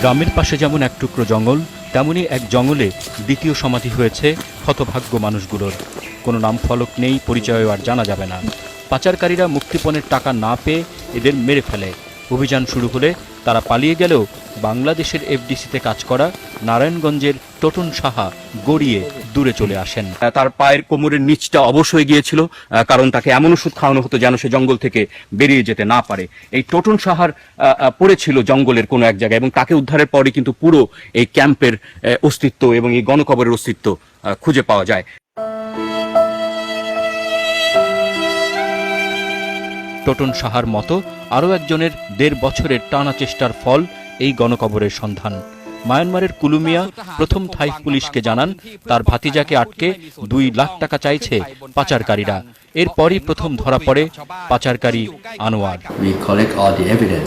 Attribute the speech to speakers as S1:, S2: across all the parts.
S1: গ্রামের পাশে যেমন এক টুকরো জঙ্গল, তেমনি এক জঙ্গলে দ্বিতীয় সমাধি হয়েছে হতভাগ্য মানুষগুলোর। কোনো নাম ফলক নেই, পরিচয় আর জানা যাবে না। পাচারকারীরা মুক্তিপণের টাকা না পেয়ে এদের মেরে ফেলে। অভিযান শুরু হলে তারা পালিয়ে গেলেও বাংলাদেশের এফডিসিতে কাজ করা নারায়ণগঞ্জের টোটন সাহা গড়িয়ে দূরে চলে আসেন।
S2: তার পায়ের কোমরের নিচটা অবশ হয়ে গিয়েছিল, কারণ তাকে এমন ওষুধ খাওয়ানো হতো যেন সে জঙ্গল থেকে বেরিয়ে যেতে না পারে। এই টোটন সাহার পড়েছিল জঙ্গলের কোনো এক জায়গায় এবং তাকে উদ্ধারের পরই কিন্তু পুরো এই ক্যাম্পের অস্তিত্ব এবং এই গণকবরের অস্তিত্ব খুঁজে পাওয়া যায়।
S1: টোটন সাহার মতো আরও একজনের 1.5 বছরের টানা চেষ্টার ফল এই গণকবরের সন্ধান। মায়ানমারের কুলুমিয়া প্রথম থাই পুলিশকে জানান তার ভাতিজাকে আটকে 2 লাখ টাকা চাইছে পাচারকারীরা। এরপরই প্রথম ধরা পড়ে পাচারকারী Anwar.
S3: We collect all the evidence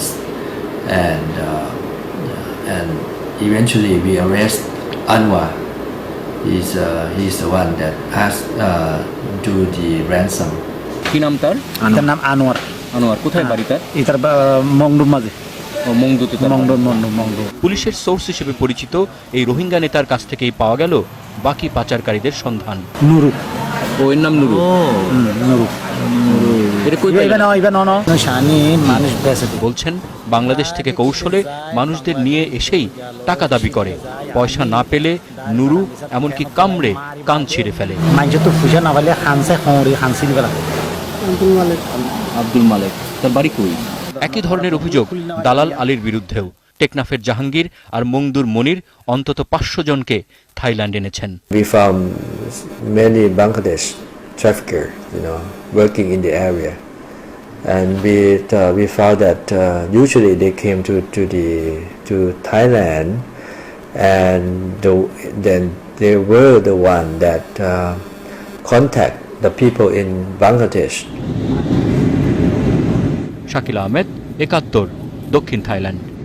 S3: and eventually we arrest Anwar. He's the one that asked do the ransom.
S2: কি নাম তার?
S4: তার নাম আনোয়ার।
S2: আনোয়ার কোথায় বাড়ি তার?
S4: এটার মংডুর মাঝে।
S1: পুলিশের সোর্স হিসেবে পরিচিত এই রোহিঙ্গা নেতার কাছ থেকেই পাওয়া গেল বাকি পাচারকারীদের সন্ধান।
S4: নুরু,
S2: ও এর নাম নুরু।
S1: বলছেন বাংলাদেশ থেকে কৌশলে মানুষদের নিয়ে এসেই টাকা দাবি করে। পয়সা না পেলে নুরু এমনকি কামড়ে কান ছিঁড়ে ফেলে।
S2: আব্দুল মালেক, তার বাড়ি কই?
S1: একই ধরনের অভিযোগ দালাল আলীর বিরুদ্ধেও। টেকনাফের জাহাঙ্গীর আর মংদুর মনির অন্তত 500 জনকে থাইল্যান্ড এনেছেন।
S5: We found many Bangladesh trafficker, working in the area, and we found that usually they came to Thailand, and then they were the one that contact the people in Bangladesh.
S1: Shakil Ahmed, 71, দক্ষিণ Thailand.